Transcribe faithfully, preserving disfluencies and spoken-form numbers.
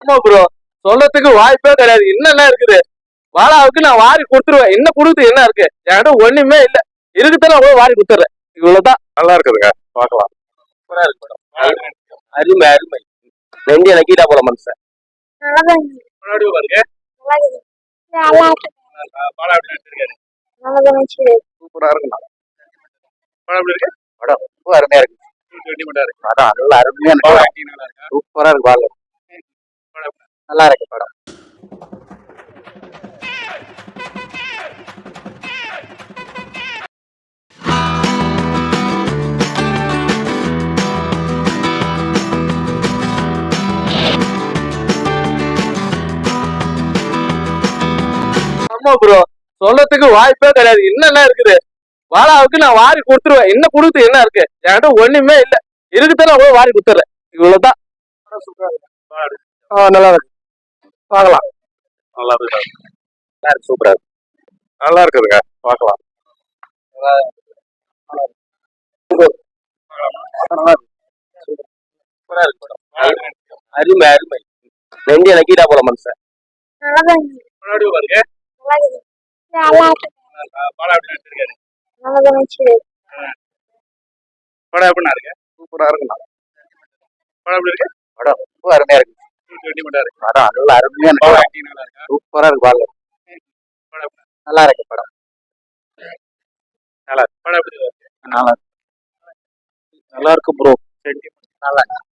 ஆமா ப்ரோ, சொல்றதுக்கு வாய்ப்பே கிடையாது. என்னென்ன இருக்குது வாழாவுக்கு நான் வாரி கொடுத்துருவேன். என்ன கொடுத்து என்ன இருக்கு? என்கிட்ட ஒண்ணுமே இல்ல. இருக்குதானே அவ்வளவு வாரி கொடுத்துறேன். இவ்வளவுதான். நல்லா இருக்குதுங்க, பார்க்கலாம். சூப்பரா இருக்கு படம். அருமை அருமை. ரெண்டு எனக்கு கீழே போல மனுஷன். முன்னாடி பாருங்க. படம் எப்படி நடிச்சிருக்காரு? சூப்பரா இருக்குண்ணா. படம் எப்படி இருக்கு? படம் ரொம்ப அருமையா இருக்கு. படம் நல்லா அருமையா இருக்கு. சூப்பரா இருக்கு பாருங்க. நல்லா இருக்கு படம். ஆமா ப்ரோ, சொல்றதுக்கு வாய்ப்பே கிடையாது. என்னென்ன இருக்குது வாழாவுக்கு நான் வாரி கொடுத்துருவேன். என்ன கொடுத்து என்ன இருக்கு? என்கிட்ட ஒண்ணுமே இல்ல. இருக்குதானே அவ்வளவு வாரி கொடுத்துறேன். இவ்வளவுதான். நல்லா இருக்கு, பார்க்கலாம். நல்லா இருக்கு, நல்லா இருக்கு, சூப்பரா இருக்கு. நல்லா இருக்குதுங்க, பார்க்கலாம். சூப்பரா இருக்கு படம். அருமை அருமை. ரெண்டு எனக்கு கீழே போல மனுஷன். முன்னாடி பாருங்க. படம் எப்படி நடிச்சிருக்காரு? படம் எப்படின்னா இருக்கு? சூப்பரா இருக்குண்ணா. படம் எப்படி இருக்கு? படம் ரொம்ப அருமையா இருக்கு. படம் நல்லா அருமையா இருக்கு. சூப்பரா இருக்கு பாருங்க. நல்லா இருக்கு படம். நல்லா இருக்கு. படம் எப்படி இருக்கு? நல்லா இருக்கு, நல்லா இருக்கு ப்ரோ. நல்லா இருக்கு.